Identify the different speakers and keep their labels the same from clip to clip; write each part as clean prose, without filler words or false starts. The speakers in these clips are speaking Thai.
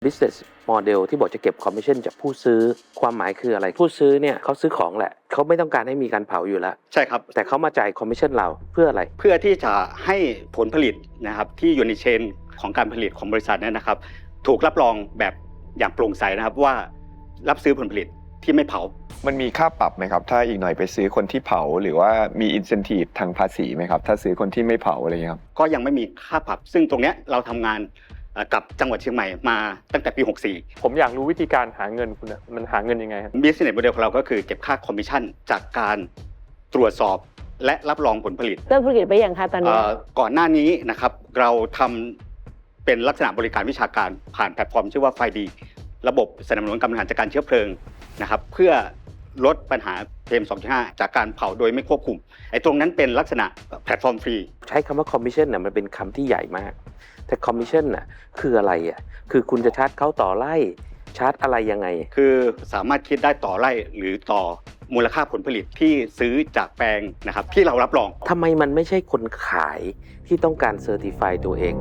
Speaker 1: business model ที่บอกจะเก็บ commission จากผู้ซื้อความหมายคืออะไรผู้ซื้อเนี่ยเขาซื้อของแหละเขาไม่ต้องการให้มีการเผาอยู่แล้ว
Speaker 2: ใช่ครับ
Speaker 1: แต่เขามาจ่าย commission เราเพื่ออะไร
Speaker 2: เพื่อที่จะให้ผลผลิตนะครับที่อยู่ในเชนของการผลิตของบริษัทเนี่ยนะครับถูกรับรองแบบอย่างโปร่งใสนะครับว่ารับซื้อผลผลิตที่ไม่เผา
Speaker 3: มันมีค่าปรับไหมครับถ้าอีกหน่อยไปซื้อคนที่เผาหรือว่ามี incentive ทางภาษีไหมครับถ้าซื้อคนที่ไม่เผาอะไรเงี้ยครับ
Speaker 2: ก็ยังไม่มีค่าปรับซึ่งตรงเนี้ยเราทำงานกับจังหวัดเชียงใหม่มาตั้งแต่ปี 64
Speaker 4: ผมอยากรู้วิธีการหาเงินคุณนะมันหาเงินยังไงครับ
Speaker 2: Business Model ของเราก็คือเก็บค่าคอมมิชชั่นจากการตรวจสอบและรับรองผลผลิต
Speaker 5: เริ่มธุรกิจไปยังคะตอนนี้
Speaker 2: ก่อนหน้านี้นะครับเราทำเป็นลักษณะบริการวิชาการผ่านแพลตฟอร์มชื่อว่าไฟดีระบบสนับสนุนการบริหารจัดการเชื้อเพลิงนะครับเพื่อลดปัญหา PM 2.5 จากการเผาโดยไม่ควบคุมไอ้ตรงนั้นเป็นลักษณะแพลตฟอร์มฟรี
Speaker 1: ใช้คำว่า commission น่ะมันเป็นคำที่ใหญ่มากแต่ commission น่ะคืออะไรอ่ะคือคุณจะชาร์จเขาต่อไร่ชาร์จอะไรยังไง
Speaker 2: คือสามารถคิดได้ต่อไร่หรือต่อมูลค่าผลผลิตที่ซื้อจากแปลงนะครับที่เรารับรอง
Speaker 1: ทำไมมันไม่ใช่คนขายที่ต้องการเซอร์ติฟายตัวเอง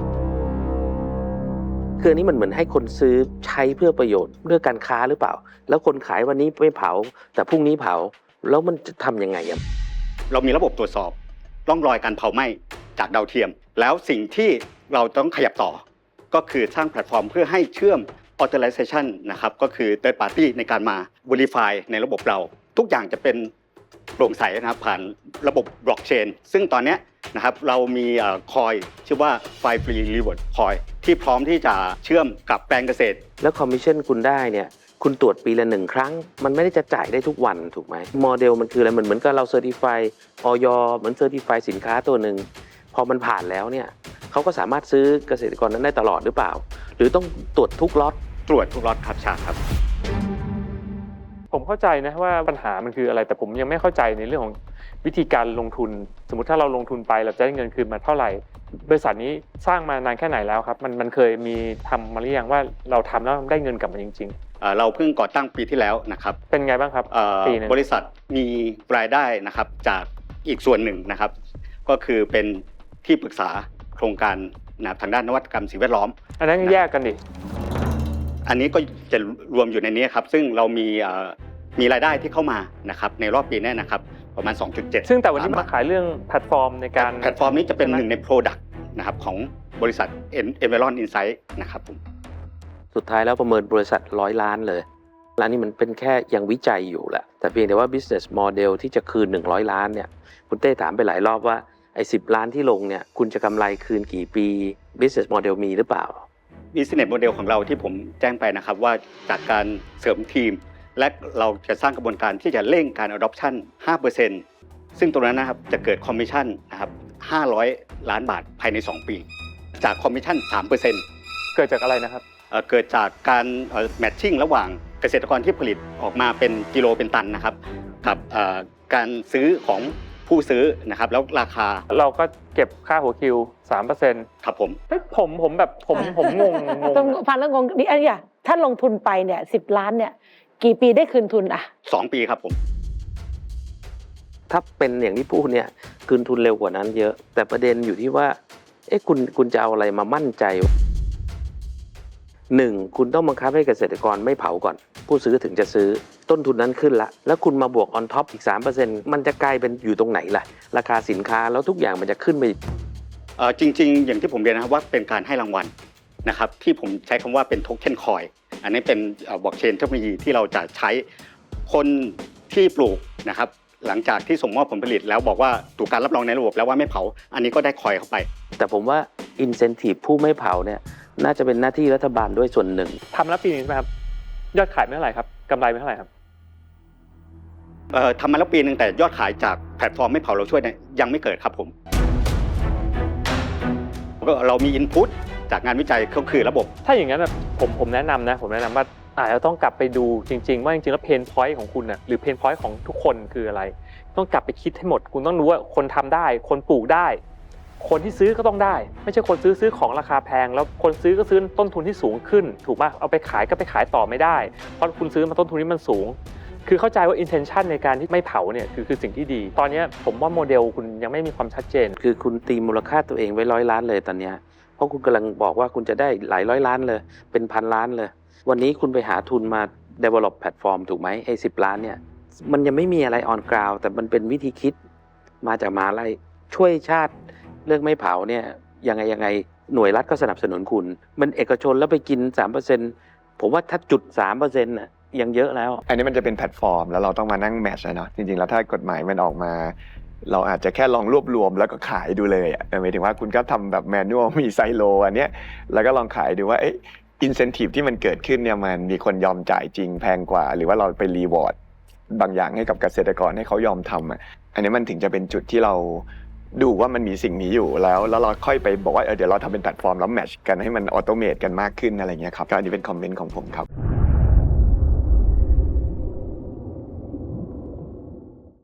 Speaker 1: คืออันนี้มันเหมือนให้คนซื้อใช้เพื่อประโยชน์เรื่องการค้าหรือเปล่าแล้วคนขายวันนี้ไม่เผาแต่พรุ่งนี้เผาแล้วมันจะทำยังไงอ่ะ
Speaker 2: เรามีระบบตรวจสอบร่องรอยการเผาไหม้จากดาวเทียมแล้วสิ่งที่เราต้องขยับต่อก็คือสร้างแพลตฟอร์มเพื่อให้เชื่อม authorization นะครับก็คือ third party ในการมา verify ในระบบเราทุกอย่างจะเป็นโปร่งใสนะครับผ่านระบบ blockchain ซึ่งตอนนี้นะครับเรามีคอยชื่อว่า File Free Reward Coin ที่พร้อมที่จะเชื่อมกับแปลงเกษตร
Speaker 1: แล้วคอมมิชชั่นคุณได้เนี่ยคุณตรวจปีละ1 ครั้งมันไม่ได้จะจ่ายได้ทุกวันถูกไหมโมเดลมันคืออะไรเหมือนกับเราเซอร์ติฟายออยเหมือนเซอร์ติฟายสินค้าตัวหนึ่งพอมันผ่านแล้วเนี่ยเขาก็สามารถซื้อเกษตรกรนั้นได้ตลอดหรือเปล่าหรือต้องตรวจทุกล็อต
Speaker 2: ตรวจทุกล็อตครับชาครับ
Speaker 4: ผมเข้าใจนะว่าปัญหามันคืออะไรแต่ผมยังไม่เข้าใจในเรื่องของวิธีการลงทุนสมมุติถ้าเราลงทุนไปเราจะได้เงินคืนมาเท่าไหร่บริษัทนี้สร้างมานานแค่ไหนแล้วครับมันเคยมีทำมาหรือยังว่าเราทำแล้วได้เงินกลับมาจริง
Speaker 2: ๆเราเพิ่งก่อตั้งปีที่แล้วนะครับ
Speaker 4: เป็นไงบ้างครับ
Speaker 2: ปีนึงบริษัทมีรายได้นะครับจากอีกส่วนหนึ่งนะครับก็คือเป็นที่ปรึกษาโครงการนะทางด้านนวัตกรรมสิ่งแวดล้อม
Speaker 4: อันนั้นแยกกันดิ
Speaker 2: อันนี้ก็จะรวมอยู่ในนี้ครับซึ่งเรามีรายได้ที่เข้ามานะครับในรอบปีนี้นะครับประมาณ 2.7
Speaker 4: ซึ่งแต่วันนี้มาขายเรื่องแพลตฟอร์มในการ
Speaker 2: แพลตฟอร์มนี้จะเป็นหนึ่งใน Product นะครับของบริษัท Environ Insight นะครับผม
Speaker 1: สุดท้ายแล้วประเมินบริษัท100 ล้านเลยร้านนี้มันเป็นแค่ยังวิจัยอยู่แหละแต่เพียงแต่ว่า business model ที่จะคืน100 ล้านเนี่ยคุณเต้ถามไปหลายรอบว่าไอ้10 ล้านที่ลงเนี่ยคุณจะกำไรคืนกี่ปี business model มีหรือเปล่า
Speaker 2: Business Model ของเราที่ผมแจ้งไปนะครับว่าจากการเสริมทีมและเราจะสร้างกระบวนการที่จะเร่งการ adoption 5% ซึ่งตรงนั้นนะครับจะเกิดคอมมิชชั่นนะครับ500 ล้านบาทภายใน2 ปีจากคอมมิชชั่น 3%
Speaker 4: เกิดจากอะไรนะครับ
Speaker 2: เกิดจากการแมทชิ่งระหว่างเกษตรกรที่ผลิตออกมาเป็นกิโลเป็นตันนะครับกับการซื้อของผู้ซื้อนะครับแล้วราคา
Speaker 4: เราก็เก็บค่าหัวคิว 3%
Speaker 2: ครับผม
Speaker 4: แบบผมงง
Speaker 5: ต้องฟังแล้วงงดิอันนี้ถ้าลงทุนไปเนี่ย10 ล้านเนี่ยกี่ปีได้คืนทุน
Speaker 2: 2 ปีครับผม
Speaker 1: ถ้าเป็นอย่างที่พูดเนี่ยคืนทุนเร็วกว่านั้นเยอะแต่ประเด็นอยู่ที่ว่าคุณจะเอาอะไรมามั่นใจ1คุณต้องบังคับให้เกษตรกรไม่เผาก่อนผู้ซื้อถึงจะซื้อต้นทุนนั้นขึ้นละแล้วคุณมาบวก on top อีก 3% มันจะกลายเป็นอยู่ตรงไหนล่ะราคาสินค้าแล้วทุกอย่างมันจะขึ้นไป
Speaker 2: จริงๆอย่างที่ผมเรียนนะครับว่าเป็นการให้รางวัลนะครับที่ผมใช้คำว่าเป็นโทเค็นคอยอันนี้เป็นบล็อกเชนเทคโนโลยีที่เราจะใช้คนที่ปลูกนะครับหลังจากที่ส่งมอบผลผลิตแล้วบอกว่าถูกการรับรองในระบบแล้วว่าไม่เผาอันนี้ก็ได้คอยเข้าไป
Speaker 1: แต่ผมว่า incentive ผู้ไม่เผาเนี่ยน่าจะเป็นหน้าที่รัฐบาลด้วยส่วนหนึ่ง
Speaker 4: ทำแล้วปีนี้ใช่ไหมครับยอดขายไม่เท่าไหร่ครับกำไรไม่เท่าไหร่ครับ
Speaker 2: ทำมาแล้วปีนึงแต่ยอดขายจากแพลตฟอร์มไม่เผาเราช่วยเนี่ยยังไม่เกิดครับผมเรามี input จากงานวิจัยก็คือระบบ
Speaker 4: ถ้าอย่างนั้นผมแนะนำว่าอาจจะต้องกลับไปดูจริงๆว่าจริงๆแล้วเพนพอยต์ของคุณหรือเพนพอยต์ของทุกคนคืออะไรต้องกลับไปคิดให้หมดคุณต้องรู้ว่าคนทำได้คนปลูกได้คนที่ซื้อก็ต้องได้ไม่ใช่คนซื้อของราคาแพงแล้วคนซื้อก็ซื้อต้นทุนที่สูงขึ้นถูกป่ะเอาไปขายก็ไปขายต่อไม่ได้เพราะคุณซื้อมาต้นทุนนี้มันสูงคือเข้าใจว่า intention ในการที่ไม่เผาเนี่ยคือสิ่งที่ดีตอนนี้ผมว่าโมเดลคุณยังไม่มีความชัดเจน
Speaker 1: คือคุณตีมูลค่าตัวเองไว้100 ล้านเลยตอนนี้พราะคุณกำลังบอกว่าคุณจะได้หลายร้อยล้านเลยเป็นพันล้านเลยวันนี้คุณไปหาทุนมา develop แพลตฟอร์มถูกไหมไอ้10 ล้านเนี่ยมันยังไม่มีอะไร on ground แต่มันเป็นวิธีคิดมาจากมหาลัยช่วยชาติเรื่องไม่เผาเนี่ยยังไงหน่วยรัฐก็สนับสนุนคุณมันเอกชนแล้วไปกิน 3%ผมว่าถ้าจุด 3% น่ะยังเยอะแล้ว
Speaker 3: อันนี้มันจะเป็นแพลตฟอร์มแล้วเราต้องมานั่งแมทช์นะเนาะจริงๆแล้วถ้ากฎหมายมันออกมา เราอาจจะแค่ลองรวบรวมแล้วก็ขายดูเลยหมายถึงว่าคุณก็ทำแบบแมนนวลมีไซโลอันเนี้ยแล้วก็ลองขายดูว่าอินเซนティブที่มันเกิดขึ้นเนี่ยมันมีคนยอมจ่ายจริงแพงกว่าหรือว่าเราไปรีวอร์ดบางอย่างให้กับเกษตรกรให้เขายอมทำอันนี้มันถึงจะเป็นจุดที่เราดูว่ามันมีสิ่งนี้อยู่แล้วเราค่อยไปบอกว่าเดี๋ยวเราทำเป็นแพลตฟอร์มแล้วแมทช์กันให้มันออโตเมตกันมากขึ้นอะไรเงี้ยครับก็อันนี้เป็นคอมเมนต์ของผมครับ